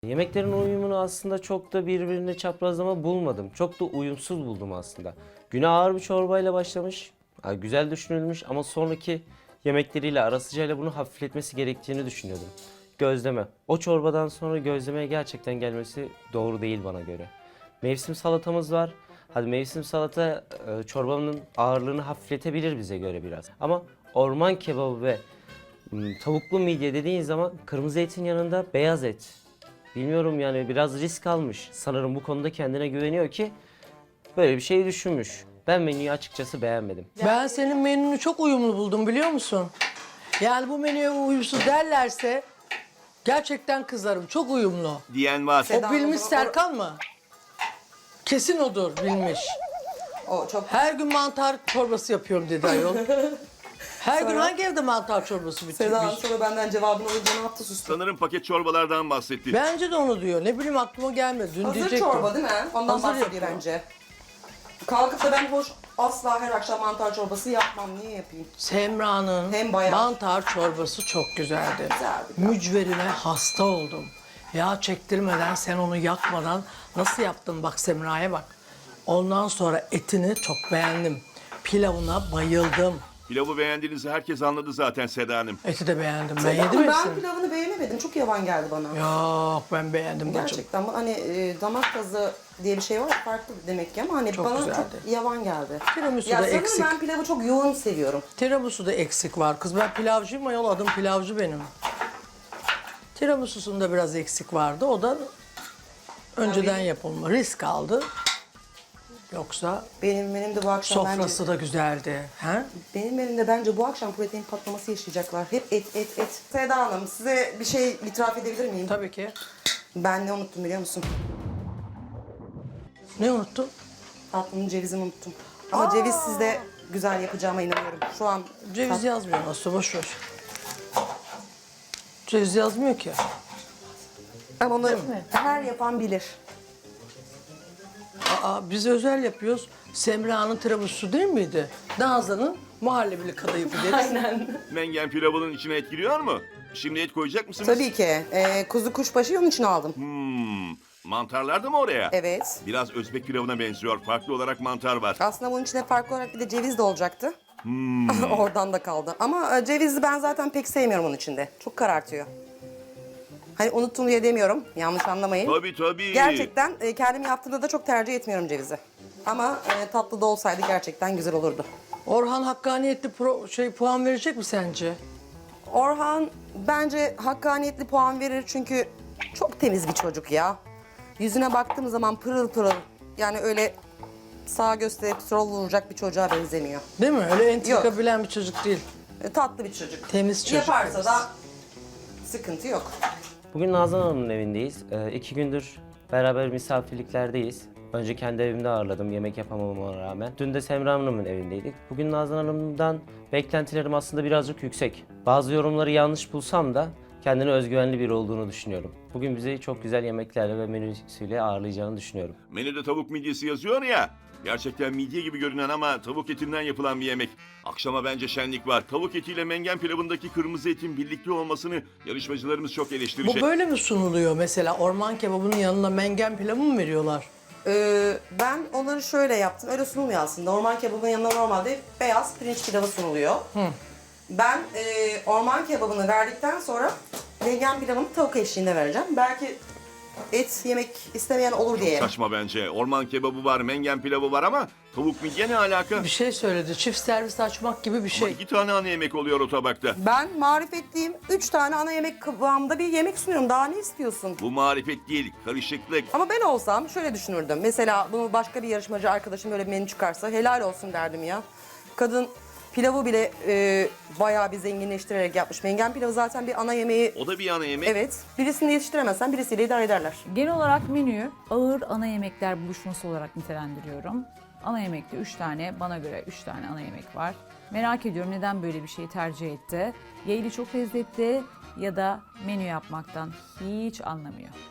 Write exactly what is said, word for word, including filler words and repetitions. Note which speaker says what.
Speaker 1: Yemeklerin uyumunu aslında çok da birbirine çaprazlama bulmadım. Çok da uyumsuz buldum aslında. Güne ağır bir çorbayla başlamış, güzel düşünülmüş ama sonraki yemekleriyle, ara sıcağıyla bunu hafifletmesi gerektiğini düşünüyordum. Gözleme. O çorbadan sonra gözlemeye gerçekten gelmesi doğru değil bana göre. Mevsim salatamız var. Hadi mevsim salata çorbanın ağırlığını hafifletebilir bize göre biraz. Ama orman kebabı ve tavuklu midye dediğin zaman kırmızı etin yanında beyaz et. Bilmiyorum yani biraz risk almış. Sanırım bu konuda kendine güveniyor ki böyle bir şey düşünmüş. Ben menüyü açıkçası beğenmedim.
Speaker 2: Ben senin menünü çok uyumlu buldum biliyor musun? Yani bu menüye uyumsuz derlerse gerçekten kızarım. Çok uyumlu.
Speaker 3: Diyen var.
Speaker 2: O bilmiş Serkan mı? Kesin odur bilmiş.
Speaker 4: O çok
Speaker 2: Her gün mantar çorbası yapıyorum dedi ayol. Her gün hangi evde mantar çorbası
Speaker 4: Seda Hanım
Speaker 2: bitirmiş?
Speaker 4: sonra benden cevabını alınca ne yaptı sustu.
Speaker 3: Sanırım paket çorbalardan bahsetti.
Speaker 2: Bence de onu diyor. Ne bileyim aklıma gelmedi. Dün
Speaker 4: Hazır
Speaker 2: diyecektim.
Speaker 4: çorba değil mi? Ondan
Speaker 2: Hazır
Speaker 4: bahsediyor
Speaker 2: yapıyor.
Speaker 4: bence. Kalkıp da ben hoş asla her akşam mantar çorbası yapmam. Niye yapayım?
Speaker 2: Semra'nın
Speaker 4: Hem bayağı.
Speaker 2: mantar çorbası çok güzeldi.
Speaker 4: Güzeldi.
Speaker 2: Mücverine hasta oldum. Yağ çektirmeden, sen onu yakmadan nasıl yaptın bak Semra'ya bak. Ondan sonra etini çok beğendim. Pilavına bayıldım.
Speaker 3: Pilavı beğendiğinizi herkes anladı zaten Seda Hanım.
Speaker 2: Eti de beğendim. Ben
Speaker 4: Seda
Speaker 2: yedim
Speaker 4: Hanım, ben
Speaker 2: hepsini.
Speaker 4: pilavını beğenemedim. Çok yavan geldi bana.
Speaker 2: Yok ben beğendim bacım.
Speaker 4: Gerçekten bu hani e, damak tadı diye bir şey var. Farklı demek ki ama hani
Speaker 2: Çok
Speaker 4: bana
Speaker 2: güzeldi.
Speaker 4: çok yavan geldi.
Speaker 2: Tiramisu
Speaker 4: Ya
Speaker 2: da
Speaker 4: sanırım
Speaker 2: eksik.
Speaker 4: ben pilavı çok yoğun seviyorum.
Speaker 2: Tiramisu da eksik var. Kız ben pilavcıyım ayol, adım pilavcı benim. Tiramisu'sunda biraz eksik vardı. O da önceden yapılma. Risk aldı. Yoksa
Speaker 4: Benim benim de bu akşam
Speaker 2: sofrası
Speaker 4: bence
Speaker 2: da güzeldi. He?
Speaker 4: benim elimde bence bu akşam protein patlaması yaşayacaklar. Hep et et et. Seda Hanım size bir şey itiraf edebilir miyim?
Speaker 2: Tabii ki.
Speaker 4: Ben ne unuttum biliyor musun?
Speaker 2: Ne unuttun?
Speaker 4: Tatlının cevizini unuttum. Ama ceviz sizde güzel yapacağıma inanıyorum. Şu an
Speaker 2: Ceviz yazmıyor aslında, boş ver. Ceviz yazmıyor ki.
Speaker 4: ama onu her yapan bilir.
Speaker 2: Aa, biz özel yapıyoruz. Semra'nın tiramisu'su değil miydi? Nazan'ın muhallebili kadayıfı deriz.
Speaker 4: Aynen.
Speaker 3: Mengen pilavının içine et giriyor mu? Şimdi et koyacak mısınız?
Speaker 4: Tabii ki. Ee, kuzu kuşbaşı onun için aldım.
Speaker 3: Hmm, mantarlar da mı oraya?
Speaker 4: Evet.
Speaker 3: Biraz Özbek pilavına benziyor. Farklı olarak mantar var.
Speaker 4: Aslında bunun içine farklı olarak bir de ceviz de olacaktı. Oradan da kaldı. Ama e, cevizi ben zaten pek sevmiyorum onun içinde. Çok karartıyor. Hani unuttum diye demiyorum. Yanlış anlamayın.
Speaker 3: Tabii tabii.
Speaker 4: Gerçekten e, kendim yaptığımda da çok tercih etmiyorum cevizi. Ama e, tatlı da olsaydı gerçekten güzel olurdu.
Speaker 2: Orhan hakkaniyetli pro, şey puan verecek mi sence?
Speaker 4: Orhan bence hakkaniyetli puan verir çünkü çok temiz bir çocuk ya. Yüzüne baktığım zaman pırıl pırıl. Yani öyle sağa gösterip sol vuracak bir çocuğa benzemiyor.
Speaker 2: Değil mi? Öyle entrika
Speaker 4: Yok.
Speaker 2: bilen bir çocuk değil.
Speaker 4: E, tatlı bir çocuk.
Speaker 2: Temiz çocuk.
Speaker 4: Yaparsa
Speaker 2: temiz.
Speaker 4: da sıkıntı yok.
Speaker 1: Bugün Nazan Hanım'ın evindeyiz. Ee, iki gündür beraber misafirliklerdeyiz. Önce kendi evimde ağırladım yemek yapamamama rağmen. Dün de Semra Hanım'ın evindeydik. Bugün Nazan Hanım'dan beklentilerim aslında birazcık yüksek. Bazı yorumları yanlış bulsam da kendine özgüvenli biri olduğunu düşünüyorum. Bugün bizi çok güzel yemeklerle ve menüsüyle ağırlayacağını düşünüyorum.
Speaker 3: Menüde tavuk midyesi yazıyor ya. Gerçekten midye gibi görünen ama tavuk etinden yapılan bir yemek. Akşama bence şenlik var. Tavuk etiyle mengen pilavındaki kırmızı etin birlikte olmasını yarışmacılarımız çok
Speaker 2: Bu
Speaker 3: eleştirecek.
Speaker 2: böyle mi sunuluyor mesela? Orman kebabının yanına mengen pilavı mı veriyorlar?
Speaker 4: Ee, ben onları şöyle yaptım. Öyle sunulmuyor aslında. Orman kebabının yanına normalde beyaz pirinç pilavı sunuluyor. Ben e, orman kebabını verdikten sonra vegan pilavını tavuk eşliğinde vereceğim. Belki et yemek istemeyen olur diye.
Speaker 3: Saçma bence. Orman kebabı var, mengen pilavı var ama tavuk midye ne alaka?
Speaker 2: Bir şey söyledi. Çift servis açmak gibi bir
Speaker 3: Ama
Speaker 2: şey.
Speaker 3: iki tane ana yemek oluyor o tabakta.
Speaker 4: Ben marifetliyim. Üç tane ana yemek kıvamında bir yemek sunuyorum. Daha ne istiyorsun?
Speaker 3: Bu marifet değil, karışıklık.
Speaker 4: Ama ben olsam şöyle düşünürdüm. Mesela bunu başka bir yarışmacı arkadaşım böyle bir menü çıkarsa helal olsun derdim ya. Kadın pilavı bile e, bayağı bir zenginleştirerek yapmış. Mengen pilavı zaten bir ana yemeği.
Speaker 3: O da bir ana yemek.
Speaker 4: Evet. Birisini yetiştiremezsen birisiyle idare ederler.
Speaker 5: Genel olarak menüyü ağır ana yemekler buluşması olarak nitelendiriyorum. Ana yemekte üç tane, bana göre üç tane ana yemek var. Merak ediyorum neden böyle bir şeyi tercih etti. Ya eli çok lezzetli ya da menü yapmaktan hiç anlamıyor.